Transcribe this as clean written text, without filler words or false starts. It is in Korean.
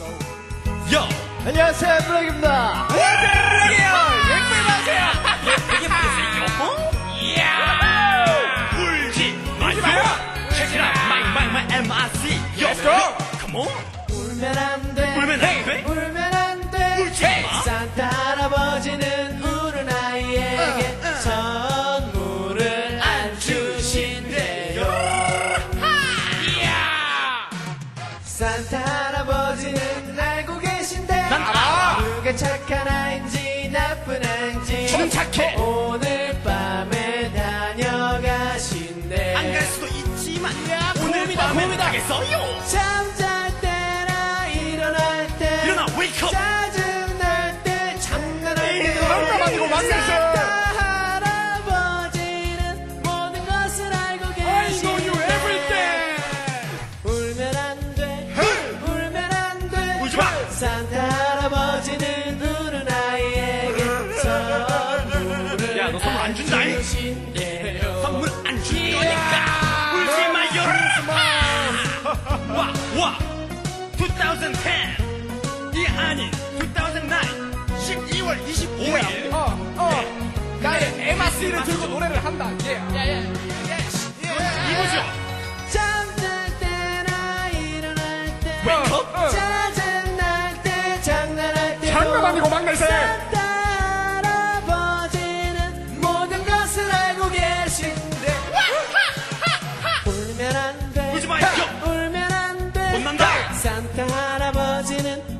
요! 안녕하세요, 블랙입니다. 안녕하세요, 블랙이에요! 예쁘게 마세요! 예쁘게 보세요! 이야! 울지 마세요! Check it out! My MRC! Let's go! Come on! 울면 안 돼. 울면 안 돼? 울면 안 돼. 울지 마! 산타 할아버지는 우는 아이에게 선물을 안 주신대요. 이야! 산타 할아버지는 알고 계신데 난 알아! 누가 착한 아인지 나쁜 아인지 저는 착해! 오늘 밤에 다녀가신대. 안 갈 수도 있지만 오늘 봄이다, 밤에 봄이다. 가겠어요! 잠잘 때나 일어날 때 일어나, wake up! 짜증날 때 장난할 때 잠깐만요, 만나서! 산타 할아버지는 모든 것을 알고 계신데 울면 안 돼. 울면 안 돼. 울지 마! 산타 할아버지는 우는 아이에게 선물을 야, 너 선물 안 준다잉? 주신대요. 선물 안 줄 거니까 울지 마요! 와! 2010! 이 아닌 2009! 12월 25일! 나의 MRC를 들고 노래를 한다. 이거죠? 잠잘 때나 일어날 때 Wake up! 짜증날 때 장난할 때 장난 아니고 막내세. 산타 할아버지는 모든 것을 알고 계신데 울면 안 돼. 울지 마요! 울면 안 돼. 혼난다! 산타 할아버지는